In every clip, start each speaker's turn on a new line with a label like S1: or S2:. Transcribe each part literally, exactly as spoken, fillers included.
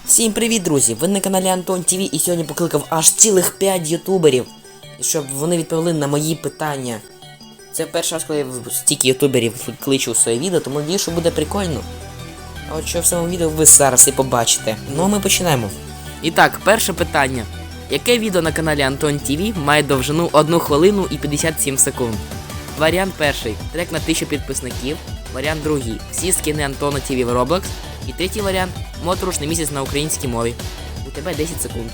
S1: Всім привіт, друзі! Ви на каналі Антон ТВ і сьогодні покликав аж цілих п'ять ютуберів, щоб вони відповіли на мої питання. Це перший раз, коли я стільки ютуберів кличу в своє відео, тому надію, що буде прикольно. А от що в самому відео ви зараз і побачите. Ну а ми починаємо. І так, перше питання. Яке відео на каналі Антон ТВ має довжину одну хвилину і п'ятдесят сім секунд? Варіант перший. Трек на тисячу підписників. Варіант другий. Всі скини Антона ТВ в Roblox. І третій варіант – моторошний місяць на українській мові. У тебе десять секунд.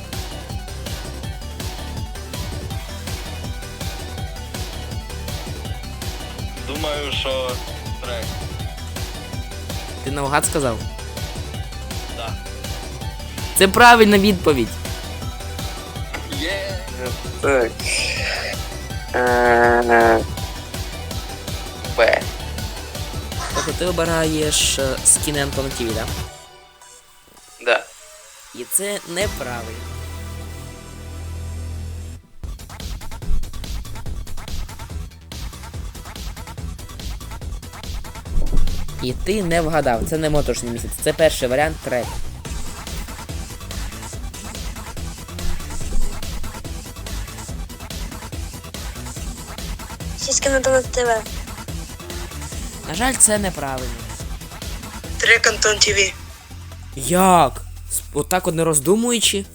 S2: Думаю, що трек.
S1: Ти наугад сказав?
S2: Да.
S1: Це правильна відповідь.
S2: Є.
S3: Так. Е, Б.
S1: Тобто ти обираєш е, скини Антона ТВ, да?
S3: Да.
S1: І це неправильно. І ти не вгадав, це не моторошний місяць, це перший варіант трек.
S4: Сіськи на Донат ТВ.
S1: На жаль, це неправильно.
S4: Трек Антон ТВ.
S1: Як? С- Отак от не роздумуючи?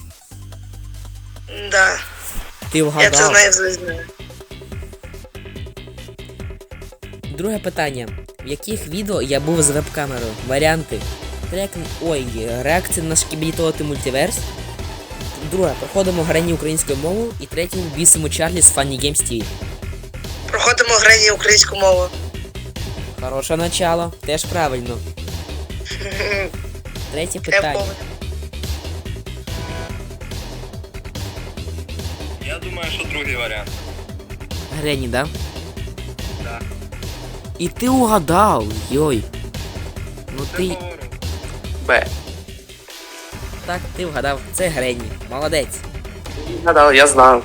S4: Да.
S1: Ти
S4: Я
S1: вгадав.
S4: це знаю, знаю.
S1: Друге питання. В яких відео я був з веб-камерою? Варіанти. Трек... Ой, реакція на шкібітолоти мультиверс. Друге. Проходимо грані українською мовою. І третє. Бісимо Чарлі з Funny Games ТВ.
S4: Проходимо грані українську мову.
S1: Хороше начало. Теж правильно. Третє
S4: Я
S1: питання.
S4: помню.
S2: Я думаю, що другий варіант.
S1: Грені, да?
S2: Да.
S1: І ти угадав. Йой. Ну
S2: Це
S1: ти...
S2: говорю.
S3: Б.
S1: Так, ти вгадав. Це Грені. Молодець.
S3: Гадав, я знав.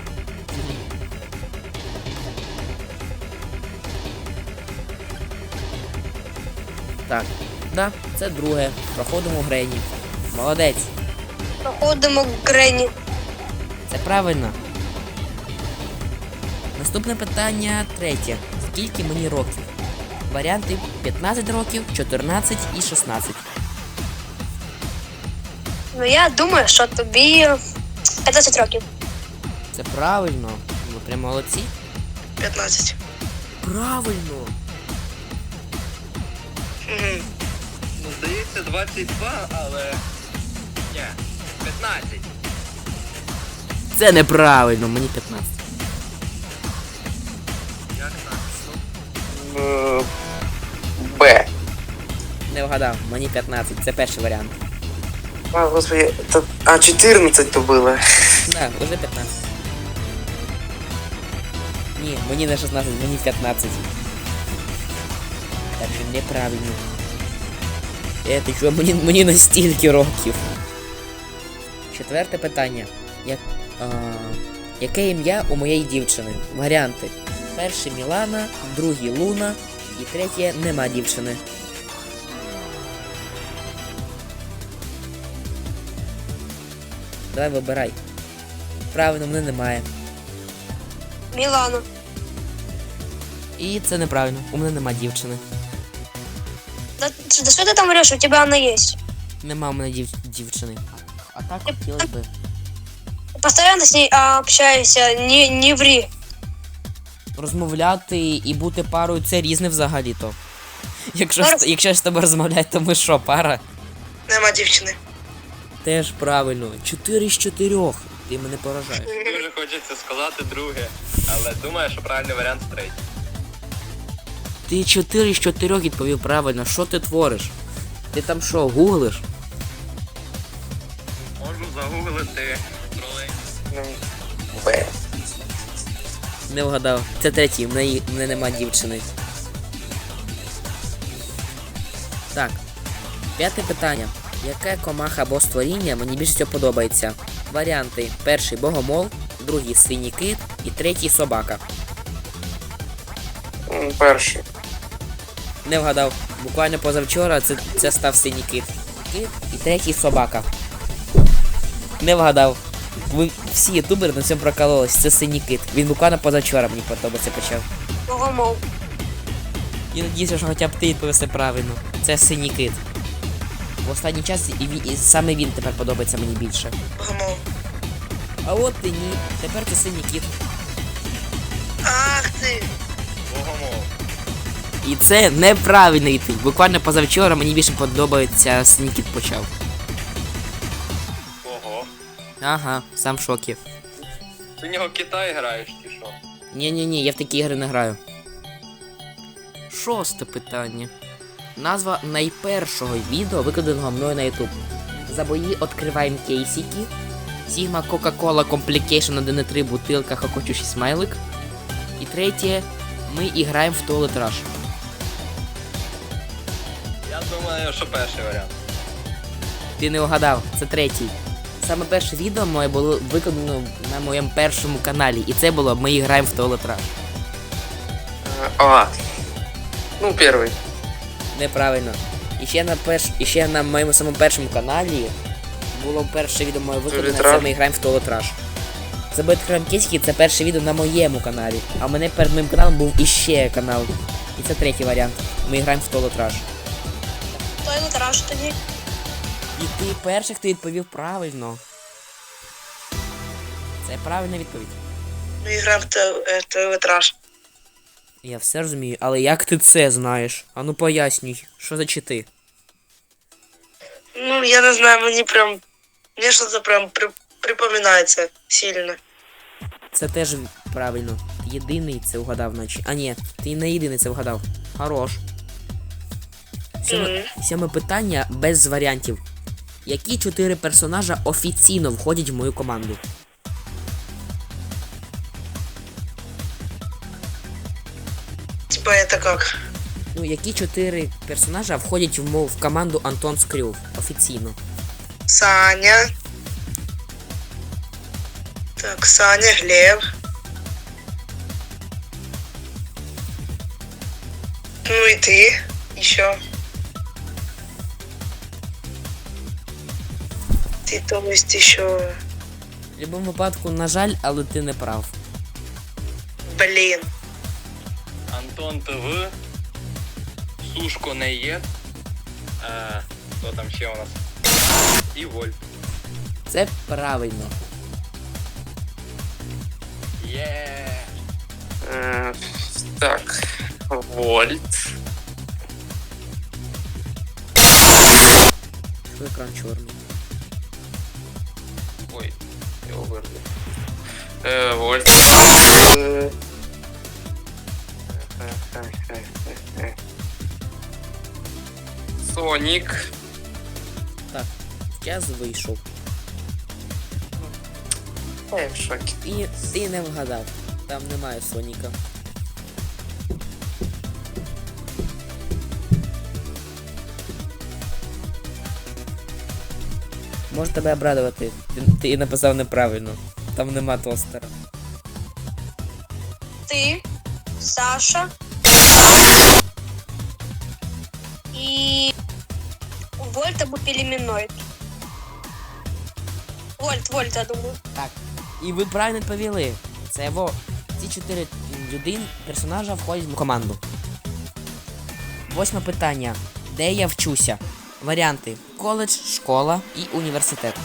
S1: Так. Да, це друге. Проходимо Грені. Молодець.
S4: Проходимо грані.
S1: Це правильно. Наступне питання третє. Скільки мені років? Варіанти п'ятнадцять років, чотирнадцять і шістнадцять.
S4: Ну я думаю, що тобі п'ятнадцять років.
S1: Це правильно. Ви прям молодці.
S4: п'ятнадцять.
S1: Правильно.
S4: Угу.
S2: Ну, здається, двадцять два, але... Ні, п'ятнадцять.
S1: Це неправильно, мені п'ятнадцять.
S2: Як так?
S3: Е, Б.
S1: Не вгадав, мені п'ятнадцять. Це перший варіант.
S3: А, господи, это... А, чотирнадцять то було.
S1: Да, уже п'ятнадцять. Ні, мені не шістнадцять, мені п'ятнадцять. Так що неправильно. Е, ти що, мені, мені настільки років. Четверте питання. Як, а, яке ім'я у моєї дівчини? Варіанти. Перший Мілана, другий Луна і третє нема дівчини. Давай вибирай. Правильно, мене немає.
S4: Мілана.
S1: І це неправильно. У мене нема дівчини.
S4: Да, да що ти там вреш? У тебе вона є.
S1: Нема у мене дів... дівчини. А так хотілося би.
S4: Ти постійно з нею а, общаєшся, не, не врі.
S1: Розмовляти і бути парою це різне взагалі-то. Якщо,
S4: Зараз-
S1: з- якщо я з тобою розмовляю, то ми що, пара?
S4: Нема дівчини.
S1: Теж правильно. Чотири з чотирьох. Ти мене поражаєш.
S2: Дуже хочеться сказати друге, але думаю, що правильний варіант третій.
S1: Ти чотири з чотирьох відповів правильно. Що ти твориш? Ти там що, гуглиш?
S2: Можу загуглити тролей.
S3: Б.
S1: Не вгадав. Це третій, в неї в мене нема дівчини. Так. П'яте питання. Яке комаха або створіння мені більше всього подобається? Варіанти. Перший богомол, другий синій кит і третій собака.
S3: М, Перший.
S1: Не вгадав. Буквально позавчора це, це став синій кит. Кит і третій собака. Не вгадав. Ви всі ютубери на цьому прокололись, це синій кит. Він буквально позавчора мені подобається почав.
S4: Богомол.
S1: І надіюся, що хоча б ти відповісти правильно. Це синій кит. В останній час і, він, і саме він тепер подобається мені більше.
S3: Богомол.
S1: А от і ні. Тепер це синій кит.
S3: Ах ти!
S2: Богомол.
S1: І це неправильна відповідь. Буквально позавчора мені більше подобається синій кит почав.
S2: Ого.
S1: Ага, сам в шокі.
S2: Ти в нього Китай граєш чи що?
S1: Ні-ні-ні, я в такі ігри не граю. Шосте питання. Назва найпершого відео, викладеного мною на YouTube. За бої відкриваємо кейсики. Sigma Coca-Cola Complication один і три бутилка хохочущий смайлик. І третє, ми іграємо в Toilet Rush.
S2: Я думаю, що перший варіант.
S1: Ти не вгадав, це третій. Саме перше відео моє було викладено на моєму першому каналі. І це було «Ми граємо в Toilet Rush».
S3: А. Ну, перший.
S1: Неправильно. І ще на перш... і ще на моєму самому першому каналі було перше відео моє викладене,
S3: Toilet
S1: це
S3: Rush.
S1: ми граємо в Toilet Rush. Це Бетхрем Кіські, це перше відео на моєму каналі. А в мене перед моїм каналом був іще канал. І це третій варіант. Ми граємо в Toilet Rush.
S4: Той литраж тоді.
S1: І ти перший, хто відповів правильно. Це правильна відповідь.
S3: Ми граємо в телетраж.
S1: Я все розумію, але як ти це знаєш? Ану пояснюй, що за чити?
S3: Ну, я не знаю, мені прям... Мені щось прям при... припоминається сильно.
S1: Це теж правильно. Ти єдиний це вгадав, наче. А ні, ти не єдиний це вгадав. Хорош. Сьоме, сьоме питання без варіантів. Які чотири персонажа офіційно входять в мою команду?
S3: Типа это как?
S1: Ну, які чотири персонажа входять в мою в команду Антон Скрюв офіційно?
S3: Саня. Так, Саня, Глеб. Ну и ты еще. Ты, то есть, еще...
S1: В будь-якому випадку, на жаль, але ти не прав.
S3: Блин.
S2: Антон ТВ. Сушко не є. Е, Хто там ще у нас? І Вольт.
S1: Це правильно.
S2: Є.
S3: Э, так, Вольт.
S1: Що екран чорний?
S2: Ой, його вирву.
S3: Э, Вольт. Э, Соник.
S1: Так, час вийшов.
S3: Я в шоке.
S1: І ти не вгадав. Там немає Соніка. Може тебе обрадувати. Ти, ти написав неправильно. Там нема тостера.
S4: Ти, Саша. І Вольт або Пелеміноїд. Вольт, Вольт, я думаю.
S1: Так. І ви правильно відповіли. Це во. Ці чотири людини, персонажа входять в команду. Восьме питання. Де я вчуся? Варіанти: коледж, школа і університет.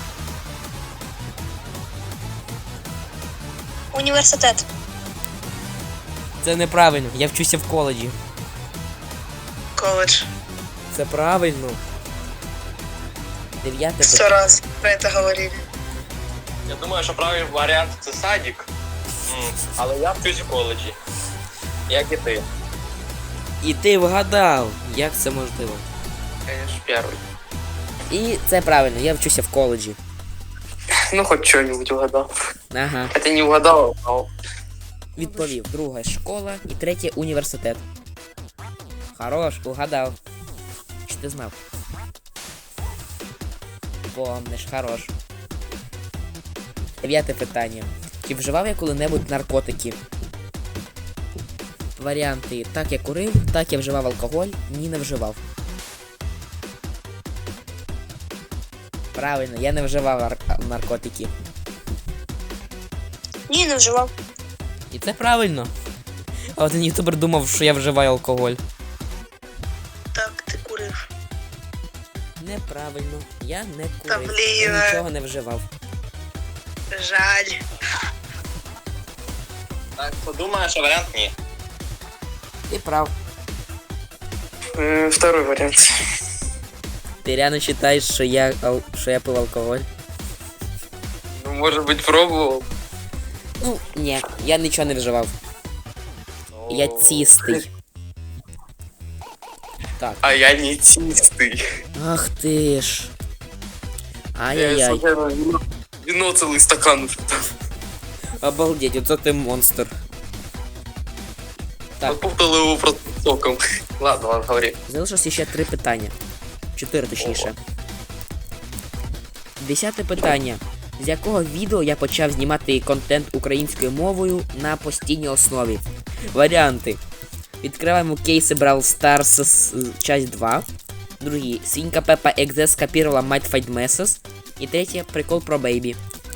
S4: Університет.
S1: Це неправильно. Я вчуся в коледжі.
S3: Колледж.
S1: Це правильно. Дев'яте
S3: Сто
S1: питання.
S3: раз про это говорили.
S2: Я думаю, що правильний варіант це садик. М, Але я вчусь в коледжі. Як і ти.
S1: І ти вгадав. Як це можливо?
S3: Конечно, первый.
S1: І це правильно. Я вчуся в коледжі.
S3: Ну, хоть что-нибудь угадал.
S1: Ага.
S3: Хотя не угадал, а
S1: Відповів. Друга школа і третє університет. Хорош, угадав. Чи ти знав? Помниш, хорош. Дев'яте питання. Чи вживав я коли-небудь наркотики? Варіанти: так я курив, так я вживав алкоголь, ні, не вживав. Правильно, я не вживав ар- наркотики.
S4: Ні, не вживав.
S1: І це правильно. А один ютубер думав, що я вживаю алкоголь.
S3: Так, ти курив.
S1: Неправильно. Я не
S3: Та
S1: курив.
S3: блін.
S1: Я нічого не вживав.
S3: Жаль.
S2: Так, подумаєш, а варіант ні.
S1: Ти прав.
S3: М, Второй вариант.
S1: Ти реально вважаєш, що я, ал- що я пив алкоголь?
S3: Ну, может быть, пробовал.
S1: Ну, ні, я нічого не вживав. Я чистий. Так.
S3: А я не чистый.
S1: Ах ти ж.
S3: Я
S1: Ай-яй-яй.
S3: случайно вино, вино целый стакан уже там.
S1: Обалдеть, оце ти монстр. Так.
S3: Попутал его просто соком. Ладно, ладно, говори.
S1: Залишилося ще три питання. Чотири точніше. Десяте питання. З якого відео я почав знімати контент українською мовою на постійній основі? Варіанти. Відкриваємо кейси Brawl Stars с- часть два. Другий. Свинка Пеппа Екзе скопировала Might Fight Messes. І третє. Прикол про Бейбі.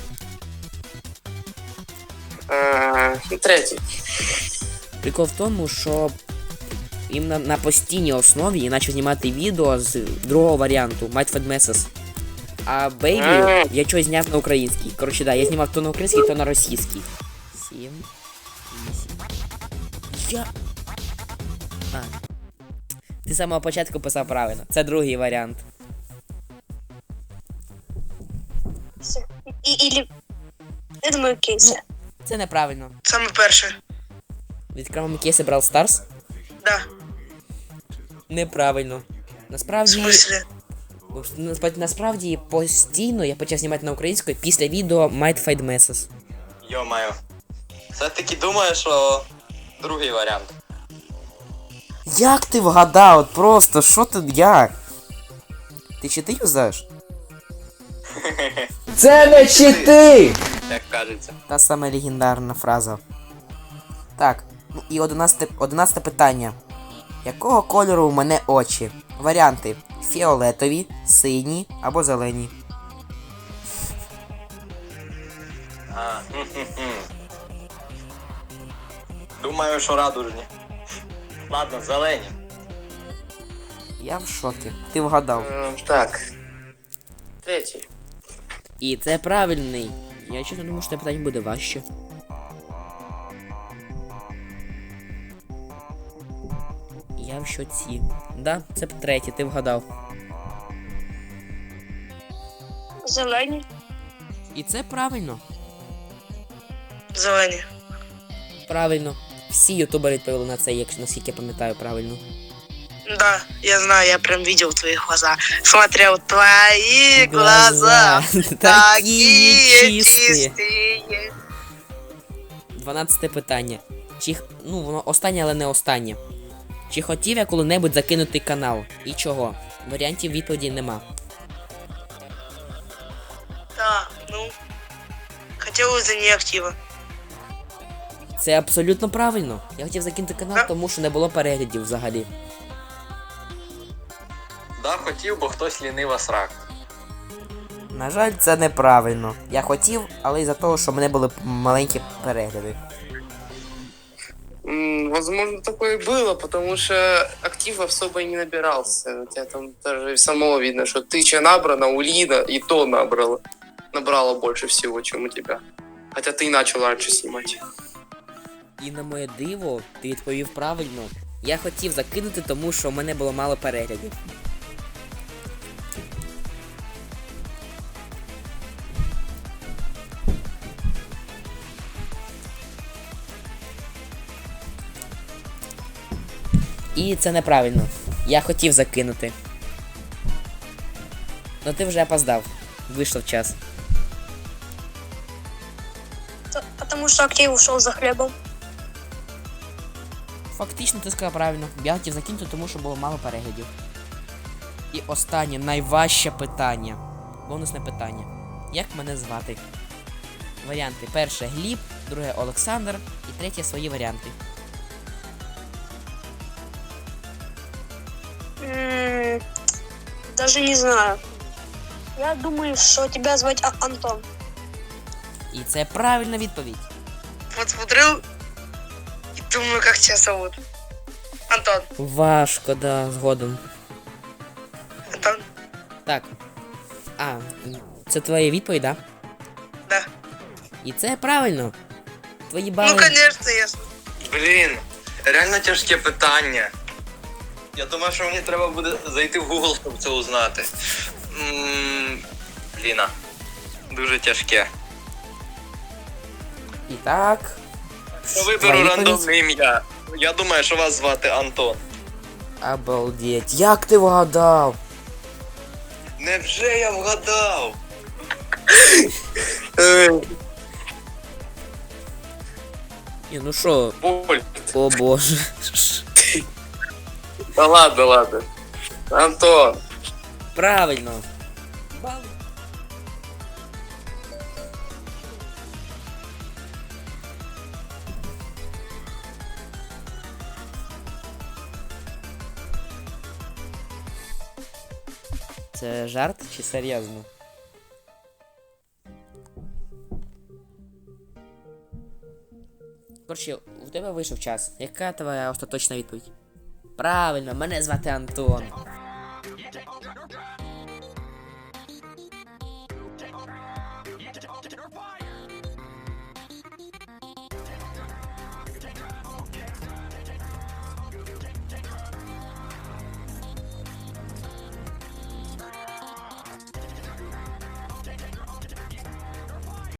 S3: А, Третий.
S1: Прикол в тому, що іменно на постійній основі я почав знімати відео з другого варіанту Might Fight Messes. А Бейбі я чогось зняв на український. Коротше, да, я знімав то на український, то на російський. Сім. Вісім. Я. А. Ти з самого початку писав правильно. Це другий варіант.
S4: Все. І, ілі... Я думаю, кейси.
S1: Це неправильно.
S3: Саме перше.
S1: Відкриваємо кейси Brawl Stars.
S3: Да.
S1: Неправильно.
S3: В
S1: Насправді.
S3: смысле?
S1: Насправді, насправді постійно я почав знімати на українською після відео Might Fight Messes.
S2: Йо-маю. Все-таки думаю, що другий варіант.
S1: Як ти вгадав? От просто, що ти, як? Ти чити юзаєш? Це не чити!
S2: Як кажеться.
S1: Та сама легендарна фраза. Так, ну і одинадцяте, одинадцяте питання. Якого кольору у мене очі? Варіанти: фіолетові, сині або зелені.
S2: А, хм-хм-хм. Думаю, що радужні. Ладно, зелені.
S1: Я в шокі. Ти вгадав.
S3: Так. Третій.
S1: І це правильний. Я чесно думаю, що це питання буде важче. Я в шоці. Да, це третє, ти вгадав.
S4: Зелені.
S1: І це правильно.
S3: Зелені.
S1: Правильно. Всі ютубери відповіли на це, якщо наскільки я пам'ятаю правильно.
S3: Да, я знаю, я прям видел твои глаза. Смотрел твои глаза. Такие чистые.
S1: Дванадцяте питання. Чи х- ну воно останнє, але не останнє. Чи хотів я коли-небудь закинути канал? І чого? Варіантів відповіді нема.
S3: Да, ну. Хотел из-за неактива.
S1: Це абсолютно правильно. Я хотів закинути канал,
S3: Да.
S1: тому що не було переглядів взагалі.
S2: Да, хотів, бо хтось лінива срак.
S1: На жаль, це неправильно. Я хотів, але із-за того, що в мене були маленькі перегляди.
S5: М, Возможно, такое и было, потому что актив особо и не набирался. У тебя там даже самого видно, что тысяча набрана, у Лина и то набрала. Набрала больше всего, чем у тебя. Хотя ты и начал раньше снимать.
S1: І на моє диво, ти відповів правильно. Я хотів закинути, тому що в мене було мало переглядів. І це неправильно. Я хотів закинути. Ну ти вже опоздав. Вийшов час.
S4: Т- Потому что актив ушел за хлебом.
S1: Фактично ти сказав правильно. Я хотів закинути, тому що було мало переглядів. І останнє, найважче питання. Бонусне питання. Як мене звати? Варіанти. Перше Гліб, друге Олександр і третє свої варіанти.
S4: М, Даже не знаю. Я думаю, что тебя звать А- Антон.
S1: І це правильна відповідь.
S3: Вот смотрю и думаю, как тебя зовут. Антон.
S1: Важко, да, згодом.
S3: Антон.
S1: Так. А, це твоя відповідь, да?
S3: Да.
S1: І це правильно. Твої
S3: Ну,
S1: бали.
S3: конечно, я ж-
S2: Блін, реально тяжке питання. Я думаю, що мені треба буде зайти в Google, щоб це узнати. М, Бліна. Дуже тяжке.
S1: І так.
S2: Я виберу
S1: Твоя відповідь?
S2: рандомне ім'я. Я думаю, що вас звати Антон.
S1: Обалдеть. Як ти вгадав?
S2: Невже я вгадав?
S1: Ні, ну що,
S5: Боль.
S1: о боже.
S5: Да ладно, ладно. Антон.
S1: Правильно. Бал. Це жарт чи серйозно? Коротше, у тебе вийшов час. Яка твоя остаточна відповідь? Правильно, мене звати Антон.